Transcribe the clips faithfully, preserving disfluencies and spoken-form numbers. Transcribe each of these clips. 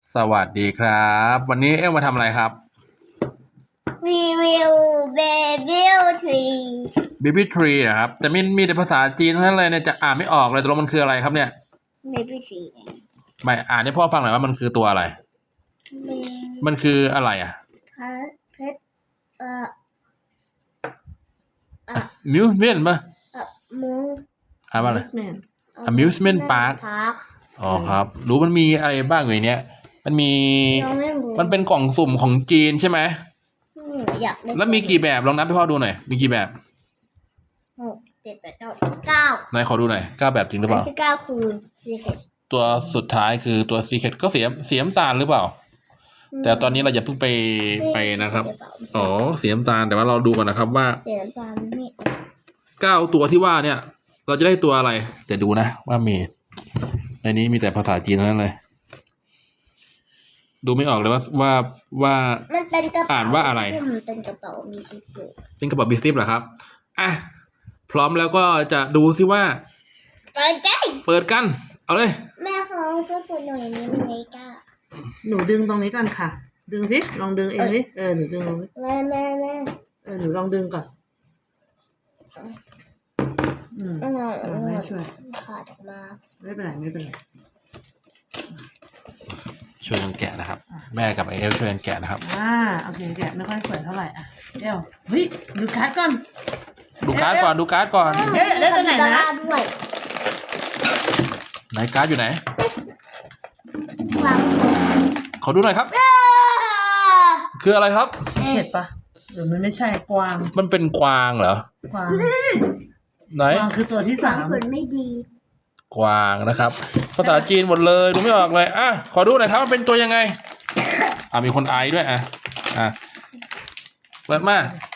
สวัสดีครับ วันนี้เอ็มมาทำอะไรครับรีวิวเบบี้ทรี Baby Tree อะครับแต่มีมีแต่ภาษาจีนทั้งนั้นเลยเนี่ยจะอ่านไม่ออกเลยตกลงมันคืออะไรครับเนี่ยเบบี้ทรีไม่อ่านให้พ่อฟังหน่อยว่ามันคือตัวอะไร มันคืออะไรอ่ะพัดเพชรเอ่อมิวส์เมนต์ป่ะเอ่อมูอ่านว่าอะไร Amusement Amusement Park อ๋อครับ รู้มันมีอะไรบ้างอยู่ในเนี้ยมันมียังไม่รู้มันเป็นกล่องสุ่มของจีนใช่ไหมอืมอยากได้แล้วมีกี่แบบลองนับให้พ่อดูหน่อยมีกี่แบบหกเจ็ดแปดเก้าเก้าไหนขอดูหน่อยเก้าแบบจริงหรือเปอันล่าที่เก้าคือซีเค็ดตัวสุดท้ายคือตัว Secret ก็เสียเสียน้ำตาลหรือเปล่า แต่ตอนนี้เราอย่าเพิ่งไปไปนะครับ อ๋อเสียน้ำตาลแต่ว่าเราดูก่อนนะครับว่าเสียน้ำตาลนี่เก้าตัวที่ว่าเนี่ย เราจะได้ตัวอะไรแต่ดูนะว่ามีในนี้มีแต่ภาษาจีนเท่านั้นเลย ดูไม่ออกเลยว่าว่าว่ามันเป็นกระเป๋าอ่านว่าอะไรมันเป็นกระเป๋ามีชิปอยู่เป็นกระเป๋าบิสซิปเหรอครับอ่ะพร้อมแล้วก็จะดูซิว่าเปิดใจเปิดกัน เอาเลยแม่เขาช่วยเปิดหน่อยนี้มันไม่กล้าหนูดึงตรงนี้ก่อนค่ะ ดึงสิลองดึงเองดิเออหนูดึงลองดิแม่แม่แม่เออหนูลองดึงก่อนอืมอืมเออแม่ช่วยขาดออกมาไม่เป็นไรไม่เป็นไรช่วยกันแกะนะครับ แม่กับไอเอลช่วยกันแกะนะครับอ่าโอเคแกะไม่ค่อยสวยเท่าไหร่อ่ะเดี๋ยวเฮ้ยดูการ์ดก่อนดูการ์ดก่อนดูการ์ดก่อนเอ๊ะแล้วตัวไหนนะด้วยไหนการ์ดอยู่ไหนวางขอดูหน่อยครับ คืออะไรครับเห็ดปะหรือมันไม่ใช่กวางมันเป็นกวางเหรอกวางไหนกวางคือตัวที่สาสาม มผลไม่ดีกวางนะครับ ภาษาจีนหมดเลยดูไม่ออกเลยอ่ะขอดูหน่อยครับมันเป็นตัวยังไง อ่ะมีคนไอด้วยอ่ะอ่ะเปิดมา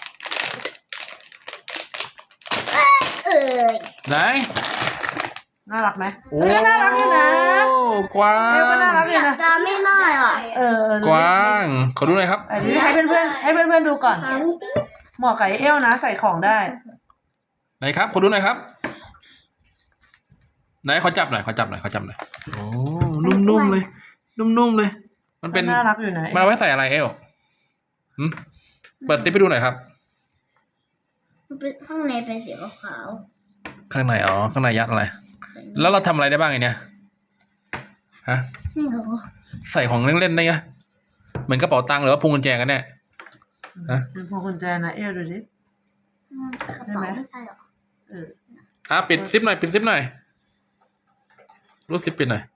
เออไหนน่ารักไหมโอ้เออน่ารักอยู่นะกวาเอวก็น่ารักงอยู่นะจะไม่น้อยอ่ะเออเออกวางขอดูหน่อยครับอันนี้ให้เพื่อนๆให้เพื่อนๆดูก่อนหาไม่ติดเหมาะกับเอลนะใส่ของได้ไหนครับขอดูหน่อยครับ ไหนขอจับหน่อยขอจับหน่อยขอจับหน่อยโอ้นุ่มๆเลย นุ่มๆเลย มันเป็นน่ารักอยู่นะมันเอาไว้ใส่อะไรเอลหืมเปิดซิปให้ดูหน่อยครับมันเป็นข้างในเป็นสีขาวข้างในอ๋อข้างในยัดอะไร แล้วเราทำอะไรได้บ้างไอเนี่ยฮะๆไม่รู้ใส่ของเล่นๆได้ไงเหมือนกระเป๋าตังค์หรือว่าพวงกุญแจกันแน่ ฮะเป็นพวงกุญแจนะเอลดูดิอืมกระเป๋าไม่ใช่หรอเอออ่ะปิดซิปหน่อยปิดซิปหน่อยรูดซิปปิดหน่อย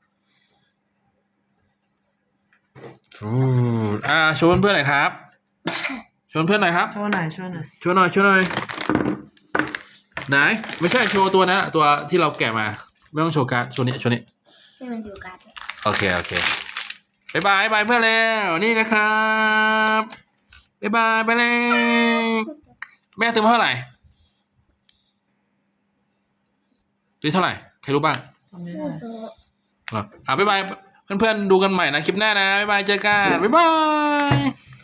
อู้อ่าชวนเพื่อนหน่อยครับชวนเพื่อนหน่อยครับโชว์หน่อยโชว์หน่อยชวนหน่อยชวนหน่อยไหนไม่ใช่โชว์ตัวนะตัวที่เราแกะมาไม่ต้องโชว์การ์ดโชว์นี้โชว์นี้ให้มันอยู่กันโอเคโอเคบายบายบายเพื่อนแล้วนี่นะครับบายบายไปเลยแม่ซื้อมาเท่าไหร่ซื้อเท่าไหร่ใครรู้บ้างตรงนี้ไม่หน่อยรู้อ่ะอ่ะบ๊ายบายเพื่อนๆดูกันใหม่นะคลิปหน้านะบ๊ายบายเจอกันบ๊ายบาย